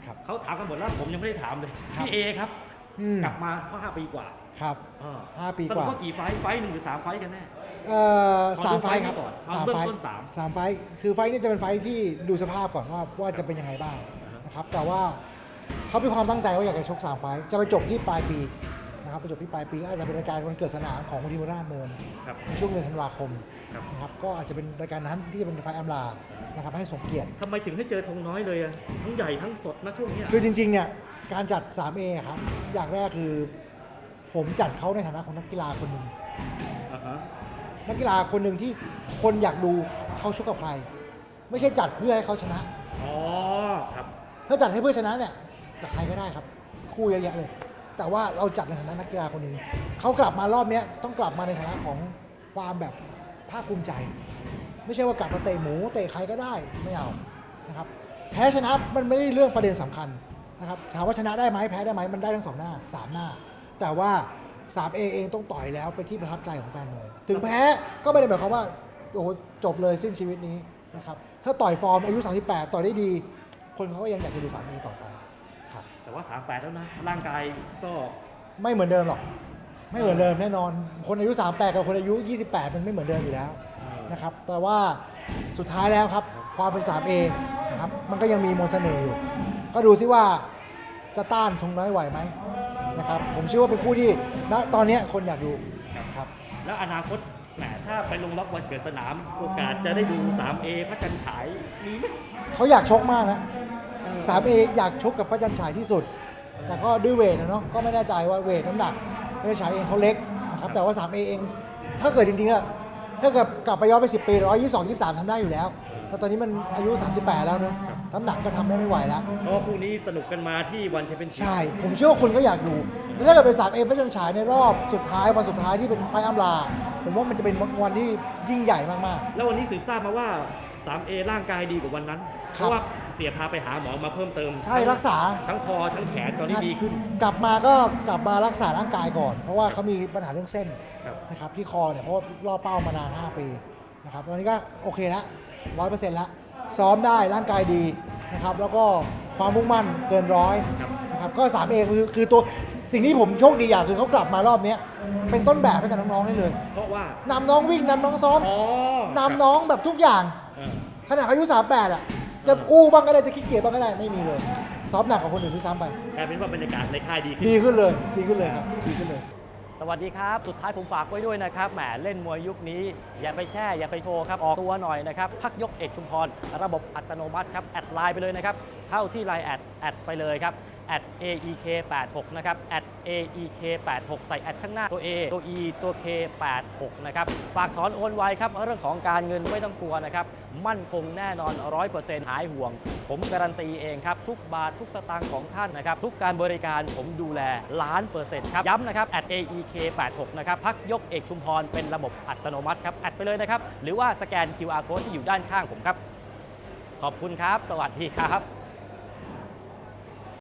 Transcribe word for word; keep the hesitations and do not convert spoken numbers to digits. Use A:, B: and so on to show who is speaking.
A: เขาถามกันหมดแล้วผมยังไม่ได้ถามเลยพี่เอครับกลับมาห้าปีกว่า
B: ครับห้าปีกว่า
A: สรุปว่ากี่ไฟไฟหนึ่งหรือสามไฟกันแน่
B: เอ่อสามไฟครับ
A: สามไฟ
B: สามไฟคือไฟนี่จะเป็นไฟที่ดูสภาพก่อนว่าว่าจะเป็นยังไงบ้างนะครับแต่ว่าเขามีความตั้งใจว่าอยากจะชกสามไฟจะไปจบที่ปลายปีนะครับไปจบที่ปลายปีก็อาจจะเป็นรายการวันเกิดสนามของมูลนิธิราชดำเนินในช่วงเดือนธันวาคมนะครับก็อาจจะเป็นรายการนั้นที่จะเป็นไฟอัมลานะครับให้สมเกียรติ
A: ทำไมถึงให้เจอธงน้อยเลยอะทั้งใหญ่ทั้งสดนะช่วงนี้
B: คือจริงๆเนี่ยการจัด ทรี เอ ครับอย่างแรกคือผมจัดเขาในฐานะของนักกีฬาคนหนึ่งนักกีฬาคนหนึ่งที่คนอยากดูเขาชกกับใครไม่ใช่จัดเพื่อให้เขาชนะ
A: อ๋อครับ
B: ถ้าจัดให้เพื่อชนะเนี่ยกับใครก็ได้ครับคู่เยอะแยะเลยแต่ว่าเราจัดในฐานะนักกีฬาคนหนึ่งเขากลับมารอบนี้ต้องกลับมาในฐานะของความแบบภาคภูมิใจไม่ใช่ว่ากลับมาเตะหมูเตะใครก็ได้ไม่เอานะครับแพ้ชนะมันไม่ได้เรื่องประเด็นสำคัญนะครับถามว่าชนะได้ไหมแพ้ได้ไหมมันได้ทั้งสองหน้าสามหน้าแต่ว่า ทรี เอ เองต้องต่อยแล้วไปที่ประทับใจของแฟนมวยถึงแพ้ก็ไม่ได้หมายความว่าโอ้โหจบเลยสิ้นชีวิตนี้นะครับถ้าต่อยฟอร์มอายุสามสิบแปดต่อยได้ดีคนเขาก็ยังอยากจะดู ทรี เอ ต่อไปครับ
A: แต่ว่าสามสิบแปดแล้วนะร่างกายก็
B: ไม่เหมือนเดิมหรอกไม่เหมือนเดิมแน่นอนคนอายุสามสิบแปดกับคนอายุยี่สิบแปดมันไม่เหมือนเดิมอยู่แล้วนะครับแต่ว่าสุดท้ายแล้วครับความเป็น ทรี เอ นะครับมันก็ยังมีมนต์เสน่ห์อยู่ก็ดูซิว่าจะต้านธงน้อยไหวไหมนะครับผมเชื่อว่าเป็นคู่ที่ณตอนนี้คนอยากดูครับ
A: แล้วอนาคตแหมถ้าไปลงล็อกวันเกิดสนามโอกาสจะได้ดู ทรี เอ พระจันทร์ฉายมีไหม
B: เขาอยากชกมากนะ ทรี เอ อยากชกกับพระจันทร์ฉายที่สุดแต่ก็ด้วยเวทนะเนาะก็ไม่แน่ใจว่าเวทน้ำหนักพระจันทร์ฉายเองเขาเล็กนะครับแต่ว่า ทรี เอ เองถ้าเกิดจริงๆอะถ้าเกิดกลับไปย้อนไปสิบปีหนึ่งร้อยยี่สิบสอง ยี่สิบสามทำได้อยู่แล้วแต่ตอนนี้มันอายุสามสิบแปดแล้วเนอะน้ำหนักก็ทำได้ไม่ไหวแล้ว
A: เพราะว่าคู่นี้สนุกกันมาที่วันแชมเปี้ยนชิพ
B: ใช่ผมเชื่อว่าคนก็อยากดูแล้วถ้าเกิดเป็น ทรี เอ พระจันทร์ฉายในรอบสุดท้ายวันสุดท้ายที่เป็นไฟอัมลาผมว่ามันจะเป็นวันที่ยิ่งใหญ่มาก
A: ๆแล้ววันนี้สืบทราบมาว่า ทรี เอ ร่างกายดีกว่าวันนั้นเพราะว่าเสียพาไปหาหมอมาเพิ่มเติม
B: ใช่รักษา
A: ทั้งคอทั้งแขนตอนนี้ดีขึ้น
B: กลับมาก็กลับมารักษาร่างกายก่อนเพราะว่าเขามีปัญหาเรื่องเส้นนะครับที่คอเนี่ยเพราะรอเป้ามานานห้าปีนะครับตอนนี้ก็โอเคแล้วร้อยเปอร์เซ็นต์แล้วซ้อมได้ร่างกายดีนะครับแล้วก็ความมุ่งมั่นเกินร้อยนะครับก็ ทรี เอ คือคือตัวสิ่งที่ผมโชคดีอย่างคือเขากลับมารอบนี้เป็นต้นแบบให้กับน้องๆได้เลย
A: เพราะว่าน
B: ำน้องวิ่งนำน้องซ้อมนำน้องแบบทุกอย่างขนาดอายุสามสิบแปดอ่ะจะอู้บ้างก็ได้จะขี้เกียจบ้างก็ได้ไม่มีเลยซ้อมหนักกว่าคนอื่นที่ซ้ำไป
A: กลายเป็นว่าบรรยากาศในค่ายดีขึ้น
B: ดีขึ้นเลยดีขึ้นเลยครับดีขึ้นเลย
A: สวัสดีครับสุดท้ายผมฝากไว้ด้วยนะครับแหมเล่นมวยยุคนี้อย่าไปแช่อย่าไปโชว์ครับออกตัวหน่อยนะครับพักยกเอกชุมพรระบบอัตโนมัติครับแอดไลน์ไปเลยนะครับเข้าที่ไลน์แอดแอดไปเลยครับแอด เอ อี เค แปดหก นะครับแอด เอ อี เค แปดหก ใส่แอดข้างหน้าตัว A ตัว E ตัว เค แปดหก นะครับฝากถอนโอนไวครับเรื่องของการเงินไม่ต้องกลัวนะครับมั่นคงแน่นอน ร้อยเปอร์เซ็นต์ หายห่วงผมการันตีเองครับทุกบาททุกสตางค์ของท่านนะครับทุกการบริการผมดูแลล้านเปอร์เซ็นต์ครับย้ำนะครับแอด เอ อี เค แปดหก นะครับพักยกเอกชุมพรเป็นระบบอัตโนมัติครับแอดไปเลยนะครับหรือว่าสแกน คิว อาร์ Code ที่อยู่ด้านข้างผมครับขอบคุณครับสวัสดีครับ